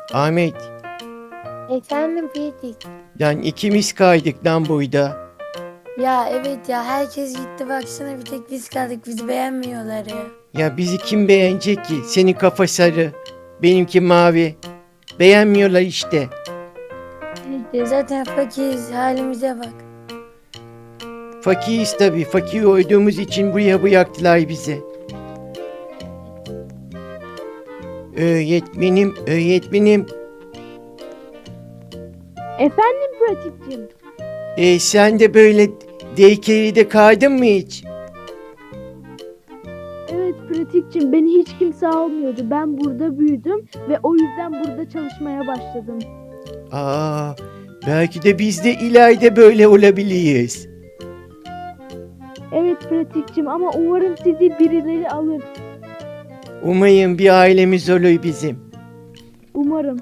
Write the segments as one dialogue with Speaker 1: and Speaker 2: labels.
Speaker 1: Ahmet,
Speaker 2: Efendim Pratik.
Speaker 1: yani ikimiz kaydık lan burada.
Speaker 2: Ya evet ya herkes gitti baksana bir tek biz kaldık bizi beğenmiyorlar ya.
Speaker 1: Ya bizi kim beğenecek ki? Senin kafa sarı, benimki mavi. Beğenmiyorlar işte.
Speaker 2: Ya zaten fakiriz halimize bak.
Speaker 1: Fakiriz tabii. Fakir olduğumuz için buraya bıraktılar bizi. Öğretmenim.
Speaker 3: Efendim pratikçim.
Speaker 1: Sen de böyle daycare'de kaydın mı hiç?
Speaker 3: Evet pratikçim, beni hiç kimse almıyordu. Ben burada büyüdüm ve o yüzden burada çalışmaya başladım.
Speaker 1: Aa, belki de biz de ileride böyle olabiliriz.
Speaker 3: Evet pratikçim, ama umarım sizi birileri alır.
Speaker 1: Umayım bir ailemiz olur bizim.
Speaker 3: Umarım.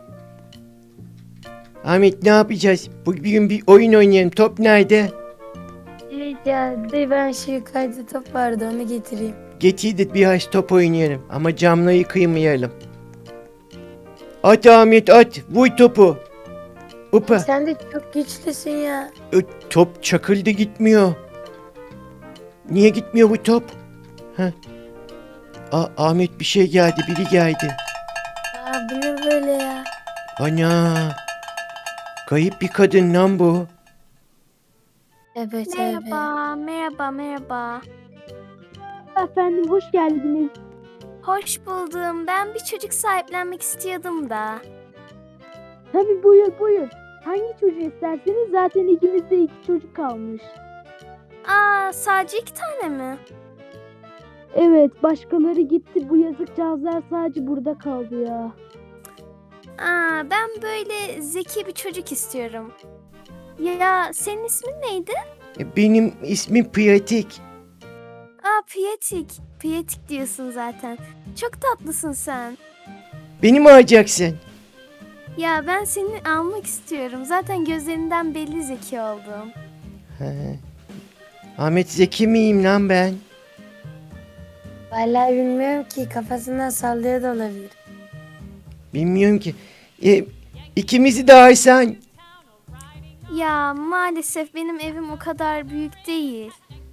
Speaker 1: Ahmet ne yapacağız? Bugün bir oyun oynayalım. Top nerede?
Speaker 2: Evet ya de ben şu yukarıda top vardı onu getireyim.
Speaker 1: Getir de biraz top oynayalım. Ama camları kıymayalım. At Ahmet at. Vur topu. Upa.
Speaker 2: Sen de çok güçlüsün ya.
Speaker 1: Top çakıldı gitmiyor. Niye gitmiyor bu top? Heh. Ahmet bir şey geldi. Biri geldi.
Speaker 2: Aa bu ne böyle ya?
Speaker 1: Ana. Kayıp bir kadın lan bu.
Speaker 2: Evet evet.
Speaker 4: Merhaba.
Speaker 3: Efendim hoş geldiniz.
Speaker 4: Hoş buldum. Ben bir çocuk sahiplenmek istiyordum da.
Speaker 3: Tabii buyur. Hangi çocuğu isterseniz, zaten ikimizde 2 çocuk kalmış.
Speaker 4: Sadece 2 tane mi?
Speaker 3: Evet, başkaları gitti, bu yazıkcağızlar sadece burada kaldı ya.
Speaker 4: Ben böyle zeki bir çocuk istiyorum. Ya senin ismin neydi?
Speaker 1: Benim ismim Pratik.
Speaker 4: Piyetik. Piyetik diyorsun zaten. Çok tatlısın sen.
Speaker 1: Beni mi alacaksın?
Speaker 4: Ya ben seni almak istiyorum. Zaten gözlerinden belli zeki oldum.
Speaker 1: He. Ahmet Zeki miyim lan ben?
Speaker 2: Vallahi bilmiyorum ki kafasından sallıyor da olabilir.
Speaker 1: Bilmiyorum ki. İkimizi de alsan.
Speaker 4: Ya maalesef benim evim o kadar büyük değil.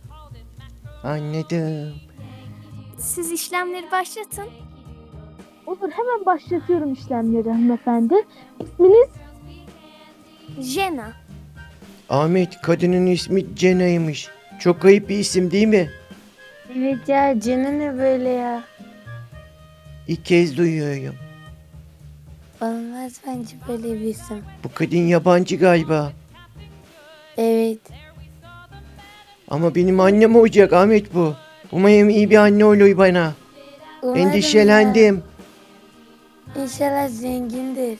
Speaker 1: Anladım.
Speaker 4: Siz işlemleri başlatın.
Speaker 3: Olur, hemen başlatıyorum işlemleri hanımefendi. İsminiz?
Speaker 4: Jena.
Speaker 1: Ahmet kadının ismi Cena'ymış. Çok ayıp bir isim değil mi?
Speaker 2: Evet ya canı ne böyle ya?
Speaker 1: İlk kez duyuyorum.
Speaker 2: Olmaz bence böyle bir isim.
Speaker 1: Bu kadın yabancı galiba.
Speaker 2: Evet.
Speaker 1: Ama benim annem olacak Ahmet bu. Umarım iyi bir anne olur bana.
Speaker 2: Umarım
Speaker 1: Endişelendim.
Speaker 2: ya. İnşallah zengindir.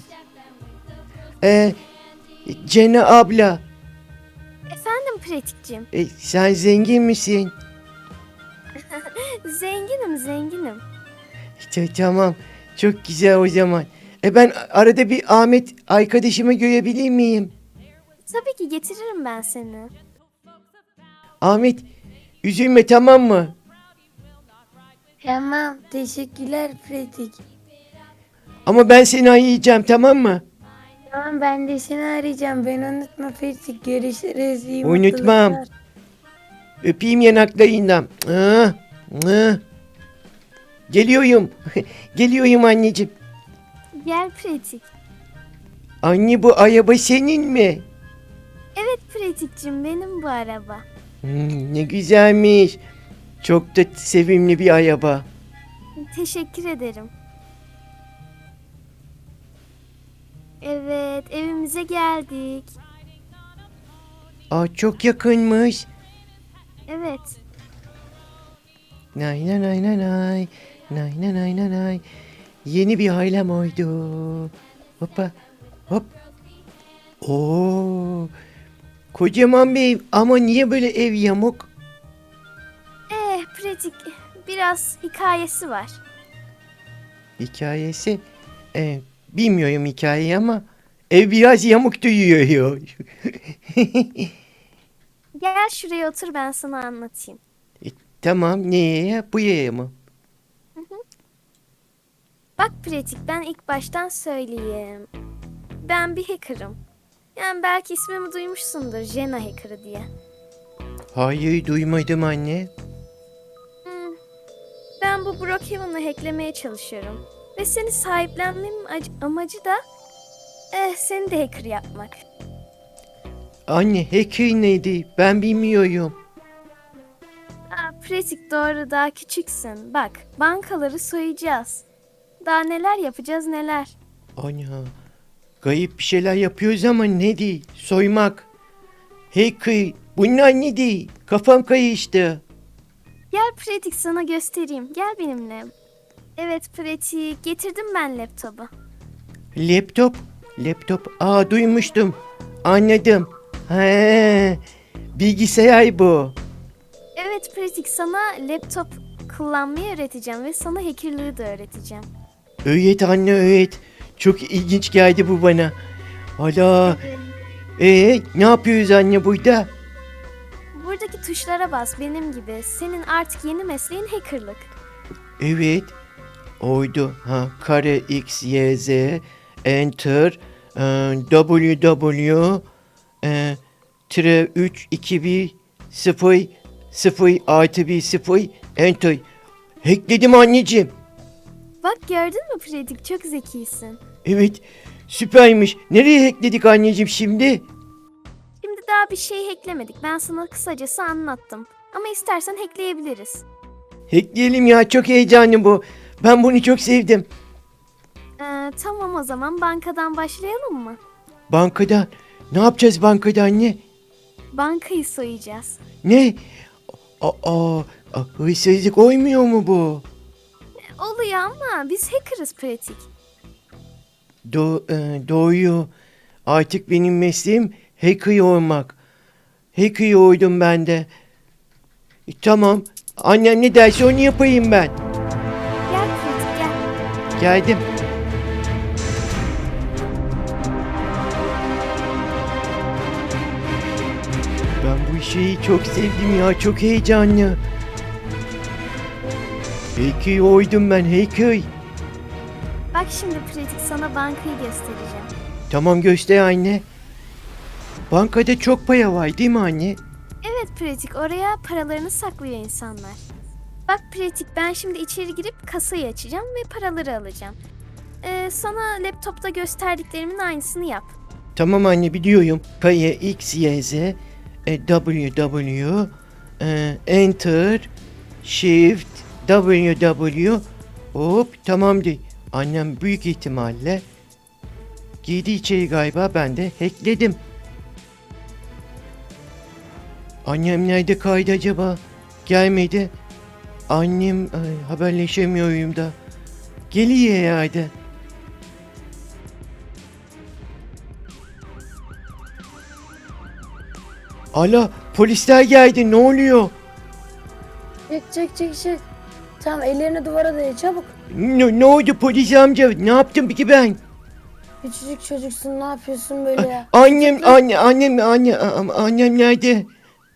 Speaker 1: Ee, Cena abla.
Speaker 4: Efendim pratikçim.
Speaker 1: Sen zengin misin?
Speaker 4: Zenginim.
Speaker 1: Tamam. Çok güzel o zaman. Ben arada bir Ahmet arkadaşımı görebilir miyim?
Speaker 4: Tabii ki getiririm ben seni.
Speaker 1: Ahmet üzülme tamam mı?
Speaker 2: Tamam teşekkürler Pratik.
Speaker 1: Ama ben seni arayacağım tamam mı?
Speaker 2: Tamam ben de seni arayacağım. Ben unutma Pratik. Görüşürüz. İyi
Speaker 1: Unutmam.
Speaker 2: mutluluklar.
Speaker 1: Öpeyim yanaklarından. Geliyorum. Geliyorum anneciğim.
Speaker 4: Gel pratik.
Speaker 1: Anne bu araba senin mi?
Speaker 4: Evet pratikçim benim bu araba.
Speaker 1: Ne güzelmiş. Çok da sevimli bir araba.
Speaker 4: Teşekkür ederim. Evet evimize geldik.
Speaker 1: Çok yakınmış.
Speaker 4: Evet.
Speaker 1: Nay nay nay nay nay. Nay nay nay nay nay. Yeni bir ailem oldu. Hoppa hop. Oo. Kocaman bir ev ama niye böyle ev yamuk?
Speaker 4: Pratik biraz hikayesi var.
Speaker 1: Hikayesi bilmiyorum hikayeyi ama ev biraz yamuk duyuyor.
Speaker 4: Gel şuraya otur ben sana anlatayım.
Speaker 1: Tamam neye? Bu yaya mı?
Speaker 4: Bak pratik, ben ilk baştan söyleyeyim. Ben bir hacker'ım. Yani belki ismimi duymuşsundur, Jenna Hacker'ı diye.
Speaker 1: Hayır duymadım anne.
Speaker 4: Hmm, Ben bu Brookhaven'ı hacklemeye çalışıyorum. Ve seni sahiplenmemin amacı da seni de hacker yapmak.
Speaker 1: Anne hacker neydi? Ben bilmiyorum.
Speaker 4: Pratik, doğru, daha küçüksün. Bak, bankaları soyacağız. Daha neler yapacağız neler.
Speaker 1: Ana. Kayıp bir şeyler yapıyoruz ama ne değil? Soymak. Hacker. Bunlar ne değil? Kafam karıştı.
Speaker 4: Gel pratik, sana göstereyim. Gel benimle. Evet pratik, getirdim ben laptopu.
Speaker 1: Laptop. Laptop. Aa duymuştum. Anladım. He. Bilgisayar bu.
Speaker 4: Evet pratik, sana laptop kullanmayı öğreteceğim ve sana hackerlığı da öğreteceğim.
Speaker 1: Öğret anne öğret. Çok ilginç geldi bu bana. Hala. Ne yapıyoruz anne burada?
Speaker 4: Buradaki tuşlara bas benim gibi. Senin artık yeni mesleğin hackerlık.
Speaker 1: Evet. Oydu. Ha, kare x, y, z, enter, w, tire 3, 2, 1, 0, 0, artı 1, 0, enter. Hackledim anneciğim.
Speaker 4: Bak, gördün mü pratik, çok zekisin.
Speaker 1: Evet. Süpermiş. Nereye hackledik anneciğim şimdi?
Speaker 4: Şimdi daha bir şey hacklemedik. Ben sana kısacası anlattım. Ama istersen hackleyebiliriz.
Speaker 1: Hackleyelim ya. Çok heyecanlı bu. Ben bunu çok sevdim.
Speaker 4: Tamam, o zaman bankadan başlayalım mı?
Speaker 1: Bankada. Ne yapacağız bankada anne?
Speaker 4: Bankayı soyacağız.
Speaker 1: Ne? Hırsızlık oymuyor mu bu?
Speaker 4: Oluyor ama biz hackerız pratik.
Speaker 1: Doğuyor. Artık benim mesleğim hacker olmak. Hacker oldum ben de. Tamam. Annem ne derse onu yapayım ben.
Speaker 4: Gel pratik, gel.
Speaker 1: Geldim. Ben bu şeyi çok sevdim ya. Çok heyecanlı. Hacker oldum ben. Hacker.
Speaker 4: Bak şimdi pratik, sana bankayı göstereceğim.
Speaker 1: Tamam göster anne. Bankada çok para var değil mi anne?
Speaker 4: Evet pratik, oraya paralarını saklıyor insanlar. Bak pratik, ben şimdi içeri girip kasayı açacağım ve paraları alacağım. Sana laptopta gösterdiklerimin aynısını yap.
Speaker 1: Tamam anne biliyorum. Kaya X, Y, Z, W, Enter, Shift, W. Hop tamamdır. Annem büyük ihtimalle girdi içeri galiba, ben de hackledim. Annem nerede kaydı acaba? Gelmedi. Annem haberleşemiyorum da. Geliyor herhalde. Ala polisler geldi, ne oluyor?
Speaker 2: Çık. Tamam, ellerini duvara daya çabuk.
Speaker 1: Ne oldu polis amca? Ne yaptım peki ben?
Speaker 2: Küçücük çocuksun, ne yapıyorsun böyle ya?
Speaker 1: Annem nerede?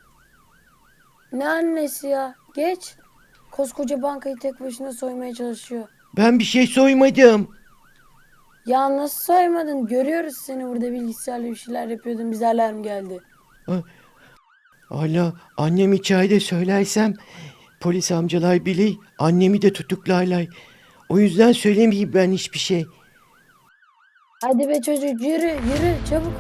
Speaker 2: Ne annesi ya? Geç. Koskoca bankayı tek başına soymaya çalışıyor.
Speaker 1: Ben bir şey soymadım.
Speaker 2: Ya nasıl soymadın? Görüyoruz seni burada bilgisayarla bir şeyler yapıyordun. Bize alarm geldi.
Speaker 1: Ala annem içeride, söylersem polis amcalar bilir, annemi de tutuklarlar. O yüzden söylemeyeyim ben hiçbir şey.
Speaker 2: Hadi be çocuk, yürü çabuk.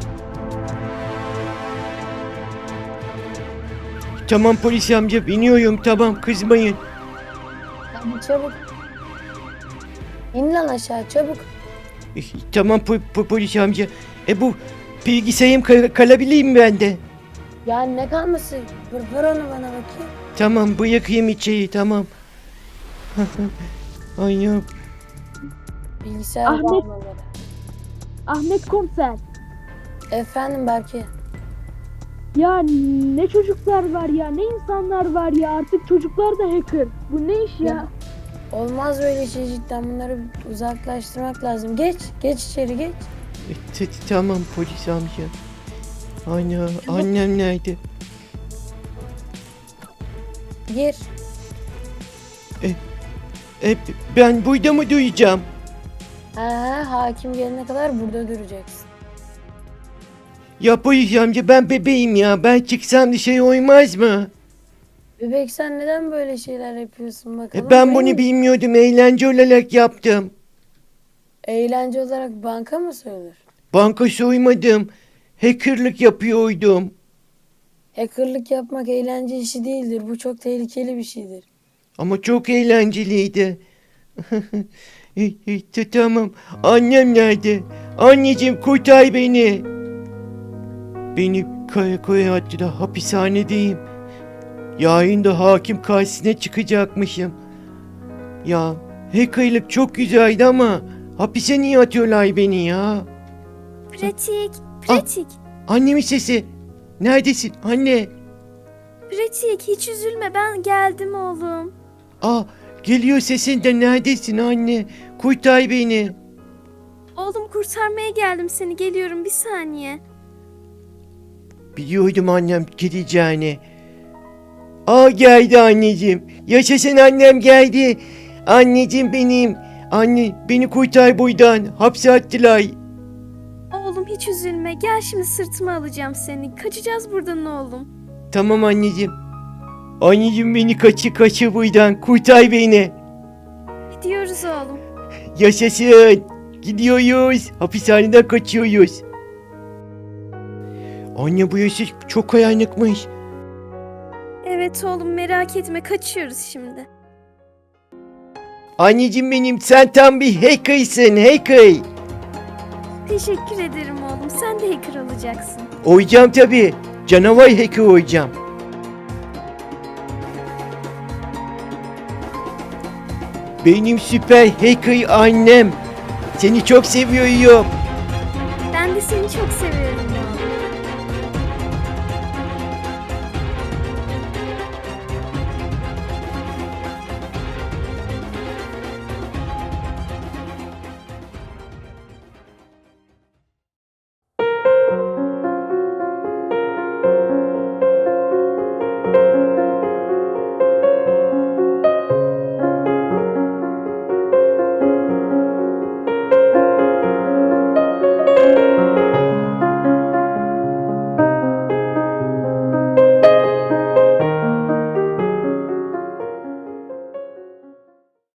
Speaker 1: Tamam polis amca, biniyorum, tamam, kızmayın.
Speaker 2: Hadi çabuk. İn lan aşağı çabuk.
Speaker 1: Tamam polis amca. Bu bilgisayarım kalabilir mi bende?
Speaker 2: Ya ne kalması? Ver onu bana bakayım.
Speaker 1: Tamam bırakayım içeri, tamam. Annem.
Speaker 2: Bilgisayar
Speaker 3: Ahmet.
Speaker 2: bağlamaları.
Speaker 3: Ahmet komiser.
Speaker 2: Efendim belki.
Speaker 3: Ya ne çocuklar var ya, ne insanlar var ya, artık çocuklar da hacker. Bu ne iş ya?
Speaker 2: Olmaz böyle şey cidden, bunları uzaklaştırmak lazım. Geç içeri geç.
Speaker 1: Tamam polis amca. Annem nerede?
Speaker 2: Gir.
Speaker 1: Ben burada mı duyacağım?
Speaker 2: Hakim gelene kadar burada duracaksın.
Speaker 1: Ya polis amca ben bebeğim ya. Ben çıksam dışarı olmaz mı?
Speaker 2: Bebek sen neden böyle şeyler yapıyorsun bakalım?
Speaker 1: Ben bunu
Speaker 2: Benim
Speaker 1: bilmiyordum. Eğlence olarak yaptım.
Speaker 2: eğlence olarak banka mı soyulur?
Speaker 1: Banka soymadım. Hackerlık yapıyordum.
Speaker 2: Hackerlık yapmak eğlence işi değildir. Bu çok tehlikeli bir şeydir.
Speaker 1: Ama çok eğlenceliydi. Tamam. Annem nerede? Anneciğim kurtar beni. Beni karakola attılar. Hapishanedeyim. Yarın da hakim karşısına çıkacakmışım. Ya hackerlık çok güzeldi ama hapise niye atıyorlar beni ya?
Speaker 4: Pratik, pratik.
Speaker 1: Annemin sesi. Neredesin anne?
Speaker 4: Pratik hiç üzülme ben geldim oğlum.
Speaker 1: Geliyor sesin de neredesin anne? Kurtar beni.
Speaker 4: Oğlum kurtarmaya geldim seni geliyorum bir saniye.
Speaker 1: Biliyordum annem gideceğini. Geldi anneciğim. Yaşasın annem geldi. Anneciğim benim. Anne beni kurtar buradan. Hapse attılar.
Speaker 4: Oğlum hiç üzülme gel şimdi sırtıma alacağım seni. Kaçacağız buradan oğlum.
Speaker 1: Tamam anneciğim. Anneciğim beni kaçır buradan. Kurtar beni.
Speaker 4: Gidiyoruz oğlum.
Speaker 1: Yaşasın. Gidiyoruz. Hapishaneden kaçıyoruz. Anne bu yaşı çok kayanlıkmış.
Speaker 4: Evet oğlum merak etme kaçıyoruz şimdi.
Speaker 1: Anneciğim benim sen tam bir hackersın hacker.
Speaker 4: Teşekkür ederim oğlum sen de hacker olacaksın.
Speaker 1: Olacağım tabii. Canavar hacker olacağım. Benim süper hacker annem. Seni çok seviyorum.
Speaker 4: Ben de seni çok seviyorum